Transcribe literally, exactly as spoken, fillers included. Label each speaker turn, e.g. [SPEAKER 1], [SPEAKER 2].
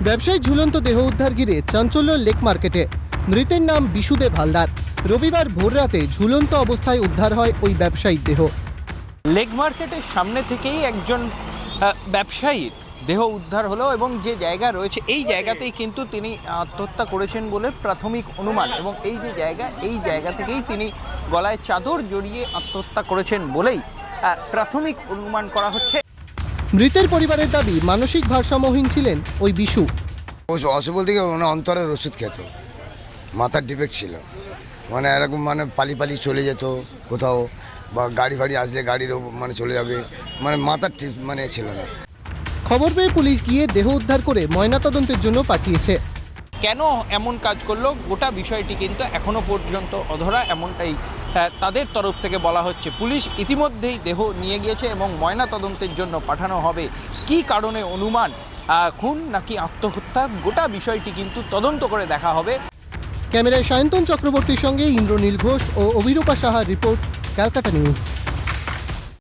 [SPEAKER 1] ব্যবসায়ী ঝুলন্ত দেহ উদ্ধার ঘিরে চাঞ্চল্য লেক মার্কেটে। মৃতের নাম বিশুদেব হালদার। রবিবার ভোররাতে ঝুলন্ত অবস্থায় উদ্ধার হয় ওই ব্যবসায়ীর দেহ।
[SPEAKER 2] লেক মার্কেটের সামনে থেকেই একজন ব্যবসায়ীর দেহ উদ্ধার হলো এবং যে জায়গা রয়েছে এই জায়গাতেই কিন্তু তিনি আত্মহত্যা করেছেন বলে প্রাথমিক অনুমান, এবং এই যে জায়গা এই জায়গা থেকেই তিনি গলায় চাদর জড়িয়ে আত্মহত্যা করেছেন বলেই প্রাথমিক অনুমান করা হচ্ছে।
[SPEAKER 1] মৃতের পরিবারের দাবি, মানসিক ভারসাম্যহীন ছিলেন ওই বিশু।
[SPEAKER 3] অসুবল থেকে অন্তরের ওষুধ খেত, মাথার ডিফেক্ট ছিল, মানে এরকম মানে পালি পালি চলে যেত কোথাও, বা গাড়ি ফাড়ি আসলে গাড়ির মানে চলে যাবে, মানে মাথার ঠিক মানে ছিল না।
[SPEAKER 1] খবর পেয়ে পুলিশ গিয়ে দেহ উদ্ধার করে ময়নাতদন্তের জন্য পাঠিয়েছে।
[SPEAKER 2] কেন এমন কাজ করলো গোটা বিষয়টি কিন্তু এখনো পর্যন্ত অধরা, এমনটাই তাদের তরফ থেকে বলা হচ্ছে। পুলিশ ইতিমধ্যেই দেহ নিয়ে গিয়েছে এবং ময়নাতদন্তের জন্য পাঠানো হবে। কি কারণে অনুমান, খুন নাকি আত্মহত্যা, গোটা বিষয়টি কিন্তু তদন্ত করে দেখা হবে।
[SPEAKER 1] ক্যামেরায় সায়ন্তন চক্রবর্তীর সঙ্গে ইন্দ্রনীল ঘোষ ও অভিরূপা সাহার রিপোর্ট, ক্যালকাটা নিউজ।